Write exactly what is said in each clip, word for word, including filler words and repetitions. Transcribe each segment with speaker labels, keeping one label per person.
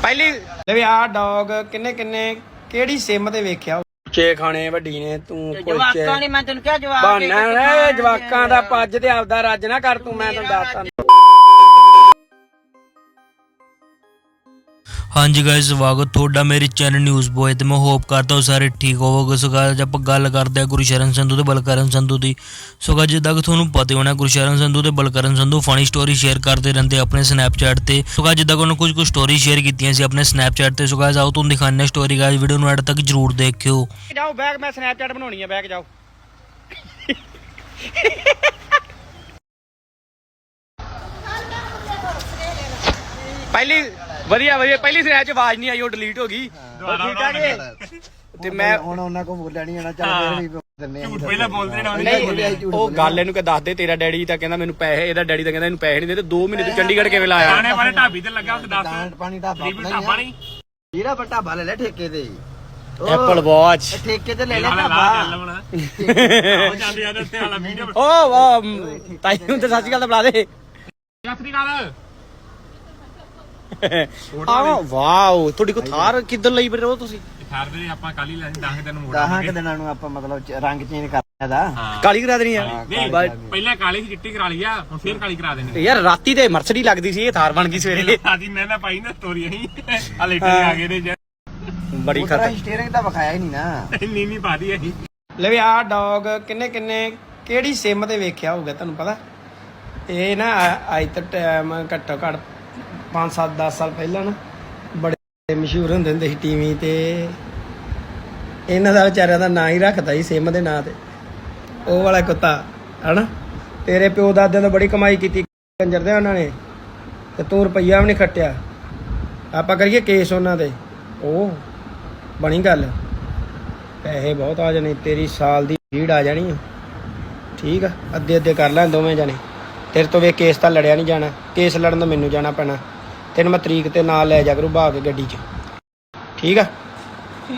Speaker 1: ਪਹਿਲੀ ਲੈ ਆ ਡੌਗ ਕਿੰਨੇ ਕਿੰਨੇ ਕਿਹੜੀ ਸਿਮ ਤੇ ਵੇਖਿਆ ਉੱਚੇ ਖਾਣੇ ਵੱਡੀ ਨੇ ਤੂੰ
Speaker 2: ਜਵਾਕਾਂ ਨੇ ਮੈਂ ਤੈਨੂੰ ਕਿਹਾ ਜਵਾਕ
Speaker 1: ਬਾਨਾ ਨੇ ਜਵਾਕਾਂ ਦਾ ਪੱਜ ਤੇ ਆਪਦਾ ਰੱਜ ਨਾ ਕਰ ਤੂੰ ਮੈਂ ਤੈਨੂੰ ਦੱਸਦਾ।
Speaker 3: हाँ जी गाइस स्वागत थोड़ा मेरे चैनल न्यूज़ बॉय तो मैं होप करता हूँ सारे ठीक होवोगे। सो गाइस आप गल करते हैं गुरशरण संधू ते बलकरण संधू की। सो गाइस जिद्दां कि तुहानूं पता होना गुरशरण संधू ते Balkaran Sandhu funny story share करते रहते अपने स्नैपचैट ते। सो गाइस जिद्दां कि उन्होंने कुछ कुछ स्टोरी शेयर कीतियां सी अपने स्नैपचैट ते। सो गाइस आओ तुहानूं दिखाने स्टोरी गाइस वीडियो नूं एंड तक जरूर देखियो।
Speaker 1: जाओ बैग मैं स्नैपचैट बनाउणी है बैग जाओ। पहली ਵਧੀਆ ਵਧੀਆ ਪਹਿਲੀ ਸਨੈਪ ਚ ਆਵਾਜ਼ ਨਹੀਂ ਆਈ ਉਹ ਡਿਲੀਟ ਹੋ ਗਈ ਠੀਕ ਆ ਜੀ ਤੇ ਮੈਂ
Speaker 4: ਹੁਣ ਉਹਨਾਂ ਕੋ ਬੋਲਿਆ ਨਹੀਂ ਜਾਣਾ ਚੱਲ ਫੇਰ ਵੀ ਦਿੰਨੇ ਆ।
Speaker 5: ਝੂਠ ਪਹਿਲਾਂ ਬੋਲਦੇ ਨਾ
Speaker 1: ਨਹੀਂ ਉਹ ਗੱਲ ਇਹਨੂੰ ਕਿ ਦੱਸ ਦੇ ਤੇਰਾ ਡੈਡੀ ਤਾਂ ਕਹਿੰਦਾ ਮੈਨੂੰ ਪੈਸੇ ਇਹਦਾ ਡੈਡੀ ਤਾਂ ਕਹਿੰਦਾ ਇਹਨੂੰ ਪੈਸੇ ਨਹੀਂ ਦੇ ਤੇ ਦੋ ਮਹੀਨੇ ਤੂੰ ਚੰਡੀਗੜ੍ਹ ਕਿਵੇਂ ਲਾਇਆ
Speaker 5: ਆਣੇ ਵਾਲੇ ਢਾਬੀ ਤੇ ਲੱਗਾ ਉਸ ਦੱਸ
Speaker 4: ਦਾਣ ਪਾਣੀ ਢਾਬਾ
Speaker 5: ਰੀਬੀ ਢਾਬਾ ਨਹੀਂ
Speaker 4: ਜਿਹੜਾ ਵੱਟਾ ਭਾ ਲੈ ਲੈ ਠੇਕੇ ਤੇ
Speaker 1: ਐਪਲ ਵਾਚ
Speaker 4: ਠੇਕੇ ਤੇ ਲੈ ਲੈ
Speaker 5: ਲਾ
Speaker 4: ਢਾਬਾ
Speaker 5: ਚੱਲ ਬਣਾ ਉਹ ਜਾਂਦੇ ਜਾਂਦੇ ਉੱਤੇ ਵਾਲਾ ਵੀਡੀਓ
Speaker 1: ਓ ਵਾਹ ਤਾਈ ਨੂੰ ਤੇ ਸੱਚੀ ਗੱਲ ਤਾਂ ਬੁਲਾ ਦੇ
Speaker 5: ਸਤਿ ਨਾਲ
Speaker 1: ਆ ਵਾਓ ਤੁਹਾਡੀ ਕੋ ਥਾਰ ਕਿੱਧਰ ਲਈ ਫਿਰ ਉਹ ਤੁਸੀਂ
Speaker 5: ਥਾਰ ਦੇ ਆਪਾਂ ਕੱਲ ਹੀ ਲੈ ਦਸ ਦਿਨ ਮੋੜ
Speaker 4: ਦਸਾਂ ਕਿ ਦਿਨਾਂ ਨੂੰ ਆਪਾਂ ਮਤਲਬ ਰੰਗ ਚੇਂਜ ਕਰਨਾ ਦਾ
Speaker 1: ਕਾਲੀ ਕਰਾ ਦੇਣੀ ਆ
Speaker 5: ਨਹੀਂ ਪਹਿਲਾਂ ਕਾਲੀ ਸੀ ਚਿੱਟੀ ਕਰਾ ਲਈ ਆ ਹੁਣ ਫੇਰ ਕਾਲੀ ਕਰਾ ਦੇਣੀ
Speaker 1: ਯਾਰ ਰਾਤੀ ਤੇ ਮਰਸਡੀ ਲੱਗਦੀ ਸੀ ਇਹ ਥਾਰ ਬਣ ਗਈ ਸਵੇਰੇ
Speaker 5: ਸਾਡੀ ਮੈਂ ਨਾ ਪਾਈ ਨਾ ਸਟੋਰੀ ਅਸੀਂ ਆ ਲੇਟਰ ਆ ਗਏ ਨੇ
Speaker 1: ਬੜੀ ਖਤਰ
Speaker 4: ਸਟੀਅਰਿੰਗ ਤਾਂ ਵਿਖਾਇਆ ਹੀ ਨਹੀਂ ਨਾ
Speaker 5: ਇੰਨੀ ਨਹੀਂ ਪਾਦੀ ਅਸੀਂ
Speaker 1: ਲੈ ਆ ਡੌਗ ਕਿੰਨੇ ਕਿੰਨੇ ਕਿਹੜੀ ਸਿਮ ਤੇ ਵੇਖਿਆ ਹੋਊਗਾ ਤੁਹਾਨੂੰ ਪਤਾ ਇਹ ਨਾ ਅੱਜ ਤੱਕ ਟਾਈਮ ਘੱਟੋ ਘੱਟ पाँच सात दस साल पहला ना बड़े मशहूर होंदे हुंदे सी टीवी ते इन्हां दा विचारियां दा नां ही रखदा ही सिम दे नां ते ओह वाला कुत्ता है ना तेरे प्यो दादे ने बड़ी कमाई की कंजर दे उन्होंने ते तू रुपया भी नहीं खट्टिया आपां करिए केस उन्हां दे ओह बनी गल पैसे बहुत आ जाने तेरी साल दी भीड़ आ जानी है ठीक है अद्धे अद्धे कर लैं दोवें जने तेरे तो वे केस तो लड़िया नहीं जाना केस लड़न तो मैनू जाना पैना तेन मैं तरीक ते नाल लै जा करूँ बहा के गड्डी च ठीक है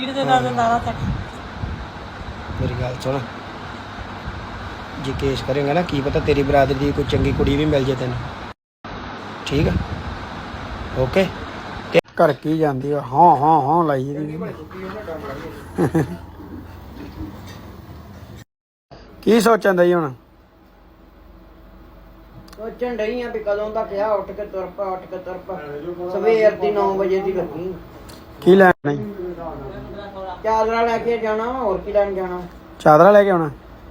Speaker 1: मेरी गल सुन जे केस करेंगे ना की पता तेरी बरादरी दी कोई चंगी कुड़ी भी मिल जाए तेन ठीक है ओके घर की जाती है हाँ हाँ हाँ लाई की सोचन दई हुण
Speaker 2: ਸੋਚਣ ਡਈ ਆ ਵੀ ਕਦੋਂ ਦਾ ਕਿਹਾ ਉੱਠ ਕੇ ਤੁਰ ਪਾ ਉੱਠ ਕੇ ਤੁਰ ਪਾ ਸਵੇਰ ਦੀ ਨੌ ਵਜੇ ਦੀ ਲੱਗੀ
Speaker 1: ਕੀ ਲੈਣਾ
Speaker 2: ਚਾਦਰਾ ਲੈ ਕੇ ਜਾਣਾ ਵਾ ਹੋਰ ਕੀ ਲੈਣ ਜਾਣਾ
Speaker 1: ਚਾਦਰਾ ਲੈ ਕੇ ਆਉਣਾ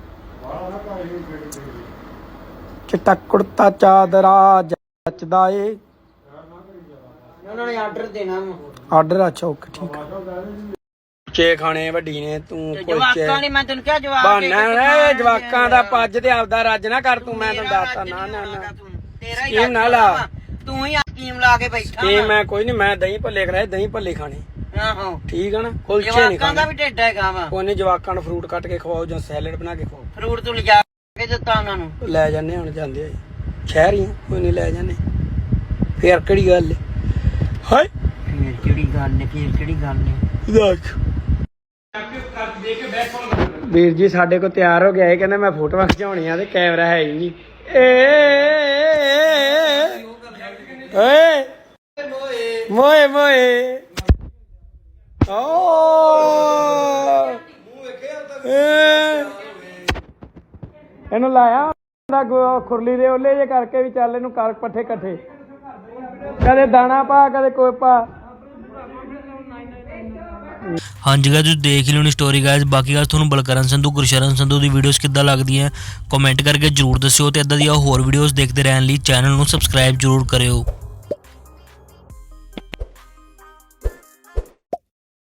Speaker 1: ਚਿੱਟਾ ਕੁੜਤਾ ਚਾਦਰਾ ਜੱਚਦਾ ਏ
Speaker 2: ਉਹਨਾਂ ਨੇ ਆਰਡਰ ਦੇਣਾ ਵਾ
Speaker 1: ਆਰਡਰ ਅੱਛਾ ਓਕੇ ਠੀਕ ਉੱਚੇ ਖਾਣੇ ਵੱਡੀ ਨੇ ਤੂੰ
Speaker 2: ਜਵਾਕਾਂ ਨੇ ਮੈਂ ਤੈਨੂੰ ਕਿਹਾ ਜਵਾਕ
Speaker 1: ਬਾਨਾ ਨੇ ਜਵਾਕਾਂ ਦਾ ਪੱਜ ਤੇ ਆਪਦਾ ਰੱਜ ਨਾ ਕਰ ਤੂੰ ਮੈਂ ਤੈਨੂੰ ਦੱਸਦਾ ਨਾ ਨਾ ਨਾ
Speaker 2: ਤੇਰਾ ਹੀ
Speaker 1: ਸਕੀਮ ਨਾ ਲਾ
Speaker 2: ਤੂੰ ਹੀ ਸਕੀਮ ਲਾ ਕੇ ਬੈਠਾ
Speaker 1: ਇਹ ਮੈਂ ਕੋਈ ਨਹੀਂ ਮੈਂ ਦਹੀਂ ਭੱਲੇ ਕਰਾਏ ਦਹੀਂ ਭੱਲੇ ਖਾਣੇ
Speaker 2: ਆਹੋ
Speaker 1: ਠੀਕ ਆ ਨਾ ਕੁਲਚੇ ਨਹੀਂ
Speaker 2: ਜਵਾਕਾਂ ਦਾ
Speaker 1: ਖਾਣੇ
Speaker 2: ਵੀ ਢਿੱਡ ਹੈਗਾ ਵਾ
Speaker 1: ਉਹਨੇ ਜਵਾਕਾਂ ਨੂੰ ਫਰੂਟ ਕੱਟ ਕੇ ਖਵਾਓ ਜਾਂ ਸੈਲਡ ਬਣਾ ਕੇ ਖਵਾਓ
Speaker 2: ਫਰੂਟ ਤੂੰ ਲਿਜਾ ਕੇ ਦਿੱਤਾ ਉਹਨਾਂ ਨੂੰ
Speaker 1: ਲੈ ਜਾਂਦੇ ਹੁਣ ਜਾਂਦੇ ਆ ਸ਼ਹਿਰ ਹੀ ਆ, ਕੋਈ ਨਹੀਂ ਲੈ ਜਾਂਦੇ ਫੇਰ ਕਿਹੜੀ ਗੱਲ ਏ ਹਾਏ
Speaker 2: ਫੇਰ ਕਿਹੜੀ ਗੱਲ ਨੇ ਫੇਰ ਕਿਹੜੀ ਗੱਲ ਨੇ
Speaker 1: ਦੇਖ ਵੀਰ ਜੀ ਸਾਡੇ ਕੋਲ ਤਿਆਰ ਹੋ ਗਿਆ ਇਹ ਕਹਿੰਦਾ ਮੈਂ ਫੋਟੋਆਂ ਖਿਚਾਉਣੀਆਂ ਤੇ ਕੈਮਰਾ ਹੈ ਹੀ ਨਹੀਂ ਓਏ ਮੋਏ ਮੋਏ ਓ ਇਹਨੂੰ ਲਾਇਆ ਖੁਰਲੀ ਦੇ ਓਲੇ ਜੇ ਕਰਕੇ ਵੀ ਚੱਲ ਇਹਨੂੰ ਕਰ ਪੱਠੇ ਇਕੱਠੇ ਕਦੇ ਦਾਣਾ ਪਾ ਕਦੇ ਕੋਈ ਪਾ
Speaker 3: हाँ जी गाइस देख लो स्टोरी गाइस। बाकी गाइस तुहानूं बलकरण संधू गुरशरण संधू दी वीडियोस किद्दां लगदियां कमेंट करके जरूर दस्सिओ ते इदां दी होर वीडियोस देखते रहने लई चैनल नूं सबसक्राइब जरूर करियो।